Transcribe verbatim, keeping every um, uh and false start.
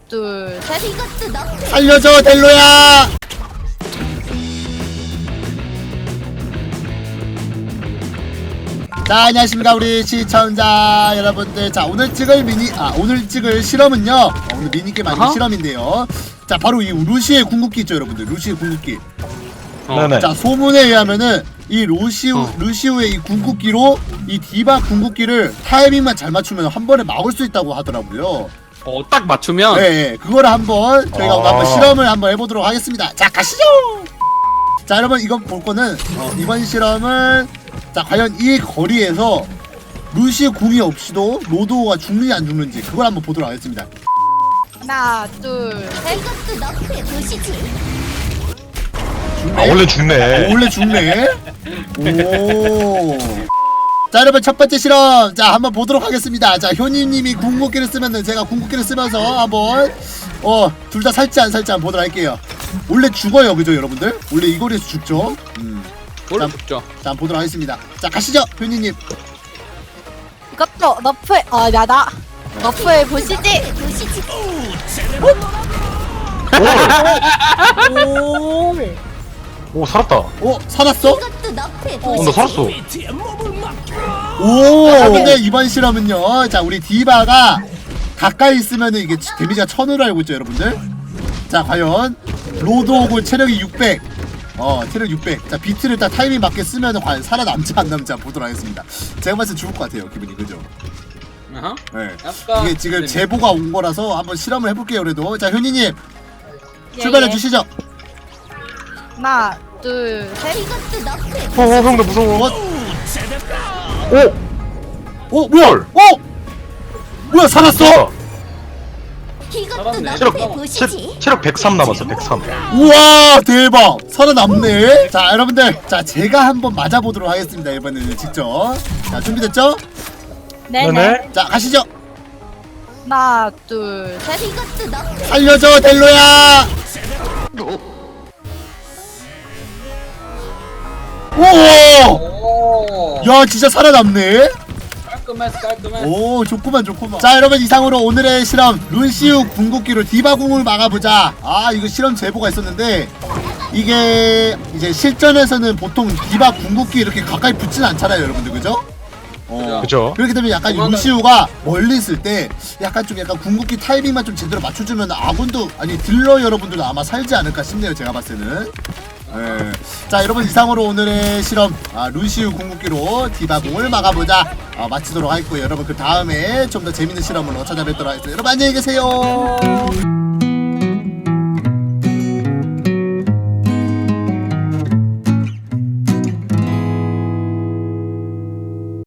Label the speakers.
Speaker 1: 둘, 셋. 이것도 너프해.
Speaker 2: 살려줘 델로야. 자, 안녕하십니까 우리 시청자 여러분들. 자, 오늘 찍을 미니 아 오늘 찍을 실험은요, 어, 오늘 미니게임 아니고
Speaker 3: 어허?
Speaker 2: 실험인데요. 자, 바로 이 루시의 궁극기 있죠 여러분들. 루시의 궁극기.
Speaker 3: 어.
Speaker 4: 네네.
Speaker 2: 자, 소문에 의하면은 이 루시우
Speaker 3: 어.
Speaker 2: 루시우의 이 궁극기로 이 디바 궁극기를 타이밍만 잘 맞추면 한 번에 막을 수 있다고 하더라고요.
Speaker 3: 어, 딱 맞추면.
Speaker 2: 네, 네, 그거를 한번 저희가
Speaker 4: 아.
Speaker 2: 오늘 한번 실험을 한번 해보도록 하겠습니다. 자, 가시죠. 자, 여러분 이거 볼 거는 어, 이번 실험은 자, 과연 이 거리에서 루시의 궁이 없이도 로드오가 죽는지 안 죽는지 그걸 한번 보도록 하겠습니다.
Speaker 1: 하나, 둘, 셋.
Speaker 5: 이것도 너프해 보시지.
Speaker 4: 아 원래 죽네.
Speaker 2: 어, 원래 죽네. 오. 자, 여러분 첫 번째 실험 자 한번 보도록 하겠습니다. 자, 효님님이 궁극기를 쓰면은 제가 궁극기를 쓰면서 한번 어 둘 다 살지 안 살지 한번 보도록 할게요. 원래 죽어요, 그죠 여러분들? 원래 이 거리에서 죽죠. 음.
Speaker 3: 원래
Speaker 2: 자,
Speaker 3: 죽죠.
Speaker 2: 자, 한번 보도록 하겠습니다. 자, 가시죠, 효님님.
Speaker 1: 이것도 너프해. 어, 나다. 너프해 보시지.
Speaker 5: 보시지.
Speaker 1: 오.
Speaker 4: 오 살았다.
Speaker 2: 어, 살았어?
Speaker 5: 이것도 너프해
Speaker 4: 어,
Speaker 5: 보시지.
Speaker 4: 나 살았어.
Speaker 2: 오, 근데 이번 실험은요. 자, 우리 디바가 가까이 있으면은 이게 데미지가 천으로 알고 있죠, 여러분들. 자, 과연 로드 오고 체력이 육백. 어, 체력 육백. 자, 비트를 딱 타이밍 맞게 쓰면은 과연 살아남지 안 남지 한번 보도록 하겠습니다. 제가 봤을 때 죽을 것 같아요, 기분이. 그죠?
Speaker 3: 어허.
Speaker 2: 네.
Speaker 3: 약간
Speaker 2: 이게 지금
Speaker 3: 네.
Speaker 2: 제보가 온 거라서 한번 실험을 해볼게요, 그래도. 자, 효니님
Speaker 1: 예,
Speaker 2: 출발해
Speaker 1: 예.
Speaker 2: 주시죠.
Speaker 1: 하나, 둘, 셋.
Speaker 5: 이것도 너프해.
Speaker 4: 어, 어 형, 나 무서워.
Speaker 2: 어?
Speaker 4: 오,
Speaker 2: 어, 뭐야? 어? 뭐야, 살았어?
Speaker 5: 이것도
Speaker 3: 살았네.
Speaker 4: 체력
Speaker 5: 너프해 보시지.
Speaker 4: 체, 체력 백삼 남았어. 백삼.
Speaker 2: 우와, 대박. 살아남네. 자, 여러분들, 자, 제가 한번 맞아보도록 하겠습니다, 이번에는 직접. 자, 준비됐죠?
Speaker 1: 네네.
Speaker 4: 네네.
Speaker 2: 자, 가시죠.
Speaker 1: 하나, 둘, 셋.
Speaker 5: 이것도 너프해.
Speaker 2: 살려줘 델로야. 오!
Speaker 3: 오.
Speaker 2: 야, 진짜 살아남네.
Speaker 3: 깔끔했어, 깔끔했어.
Speaker 2: 오, 좋구만 좋구만. 자, 여러분 이상으로 오늘의 실험 루시우 궁극기로 디바 궁을 막아보자. 아, 이거 실험 제보가 있었는데 이게 이제 실전에서는 보통 디바 궁극기 이렇게 가까이 붙진 않잖아요, 여러분들. 그죠? 어,
Speaker 4: 그죠.
Speaker 2: 그렇기 때문에 약간
Speaker 3: 그만한-
Speaker 2: 루시우가 멀리 있을 때 약간 좀 약간 궁극기 타이밍만 좀 제대로 맞춰주면 아군도 아니 딜러 여러분들도 아마 살지 않을까 싶네요, 제가 봤을 때는. 네. 자, 여러분 이상으로 오늘의 실험 아, 루시우 궁극기로 디바공을 막아보자 아, 마치도록 하겠고요. 여러분 그 다음에 좀 더 재밌는 실험으로 찾아뵙도록 하겠습니다. 여러분 안녕히 계세요.